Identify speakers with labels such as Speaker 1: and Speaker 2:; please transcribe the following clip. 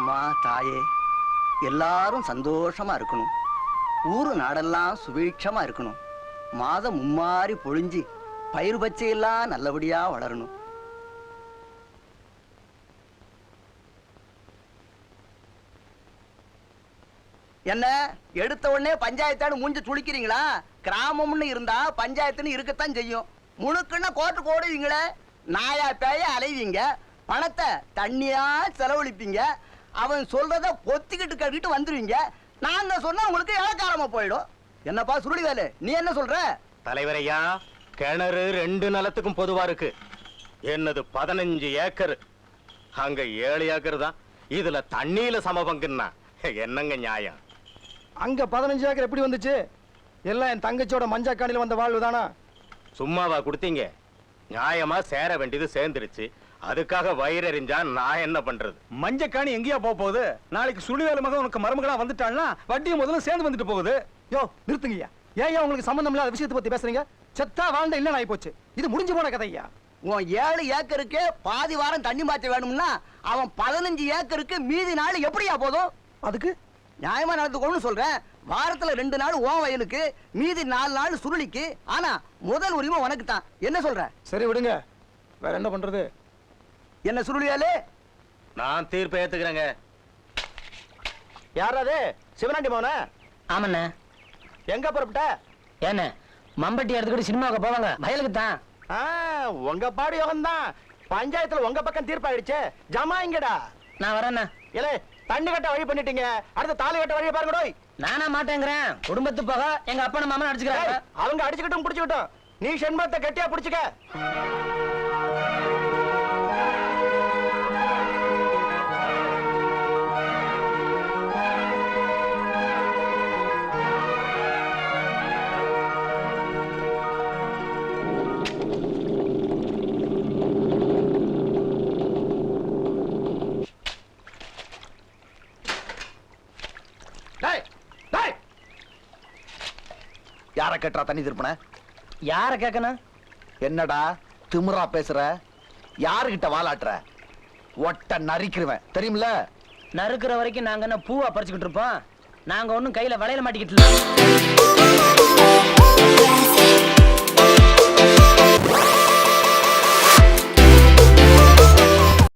Speaker 1: அம்மா தாயே, எல்லாரும் சந்தோஷமா இருக்கணும். ஊரு நாடெல்லாம் சுபீட்சமா இருக்கணும். மாதம் மும்மாறி பொழிஞ்சு பயிர் பச்சையெல்லாம் நல்லபடியா வளரணும். என்ன எடுத்த உடனே பஞ்சாயத்தாடு மூஞ்சி துளிக்கிறீங்களா? கிராமம்னு இருந்தா பஞ்சாயத்துன்னு இருக்கத்தான் செய்யும். முழுக்குன்னா கோர்ட்டுக்கு ஓடுவீங்களே, நாயா பேய அலைவீங்க, பணத்தை தண்ணியா செலவழிப்பீங்க, அவன் சொல்றத பொத்திக்கிட்டு கட்டிட்டு வந்துருவீங்க. நான் சொன்னா உங்களுக்கு இலக்காரமா போயிடும். என்னப்பா சுருளி வேலு, நீ என்ன சொல்ற?
Speaker 2: தலைவரையா, கிணறு 2 நிலத்துக்கும் பொதுவா இருக்கு. என்னது 15 ஏக்கர், அங்க 7 ஏக்கர் தான். இதுல தண்ணியில சமபங்குன்னா என்னங்க நியாயம்?
Speaker 3: அங்க 15 ஏக்கர் எப்படி வந்துச்சு? எல்லாம் என் தங்கச்சியோட மஞ்சக்காணில வந்த வாழ்வு தானா?
Speaker 2: சும்மாவா கொடுத்தீங்க? நியாயமா சேர வேண்டியது சேர்ந்துருச்சு. அதுக்காக வயிறறிஞ்சா நான் என்ன பண்றது?
Speaker 3: மஞ்சக்காணி எங்கேயா போகுது? நாளைக்கு சுழிவேல மகன் உனக்கு மருமகளா வந்துட்டான்னா வட்டியும் முதல்ல சேர்ந்து வந்துட்டு போகுது. யோ நிறுத்துங்கய்யா. ஏன் உங்களுக்கு சம்பந்தம் இல்லாத விஷயத்தை பத்தி பேசுறீங்க? செத்தா வாழ்ந்த இல்ல ஆகி போச்சு. இது முடிஞ்சு போன கதையா.
Speaker 1: உன் 7 ஏக்கருக்கு பாதி வாரம் தண்ணி மாற்ற வேணும்னா அவன் 15 ஏக்கருக்கு மீதி நாள் எப்படியா போதும்?
Speaker 3: அதுக்கு
Speaker 1: நியாயமா நடந்துக்கணும்னு சொல்றேன். வாரத்துல 2 நாள் ஓன் வயலுக்கு, மீதி 4 நாள் சுருளிக்கு. ஆனா முதல் உரிமை உனக்கு தான். என்ன சொல்ற?
Speaker 3: சரி விடுங்க, வேற என்ன பண்றது?
Speaker 1: என்ன சுருளியாலே?
Speaker 2: நான் தீர்ப்பு ஏத்துக்கிறேங்க.
Speaker 3: யாராவது சிவனாண்டி மோன?
Speaker 4: ஆமண்ண.
Speaker 3: எங்க புறப்பட்ட?
Speaker 4: என்ன மம்பட்டி எடுத்துக்கிட்டு சினிமாவுக்கு போவாங்க, வயலுக்கு தான்.
Speaker 3: உங்க பாடு யோகம் தான். பஞ்சாயத்துல உங்க பக்கம் தீர்ப்பாயிடுச்சு. ஜமாங்கடா.
Speaker 4: நான் வரேண்ணா.
Speaker 3: ஏலே, தண்ணி கட்ட வழி பண்ணிட்டீங்க, அடுத்த தாலி கட்ட வழியை பாருங்க.
Speaker 4: நானா மாட்டேங்கிறேன். குடும்பத்து போக எங்க அப்பா மாமன் அடிச்சுக்கிறாங்க.
Speaker 3: அவங்க அடிச்சுக்கிட்டும் பிடிச்சுக்கிட்டும், நீ செண்பத்தை கட்டியா பிடிச்சுக்க.
Speaker 1: யார கேட்டா தண்ணி திருப்பன?
Speaker 4: யார கேட்கணும்?
Speaker 1: என்னடா திமிரா பேசுற? யாருகிட்ட வாலாட்டுற? ஒட்ட நரிக்கிறவன் தெரியுமில?
Speaker 4: நறுக்கிற வரைக்கும் நாங்க என்ன பூவா பறிச்சுக்கிட்டு இருப்போம்? நாங்க ஒண்ணும் கையில வளையல மாட்டிக்கிட்டு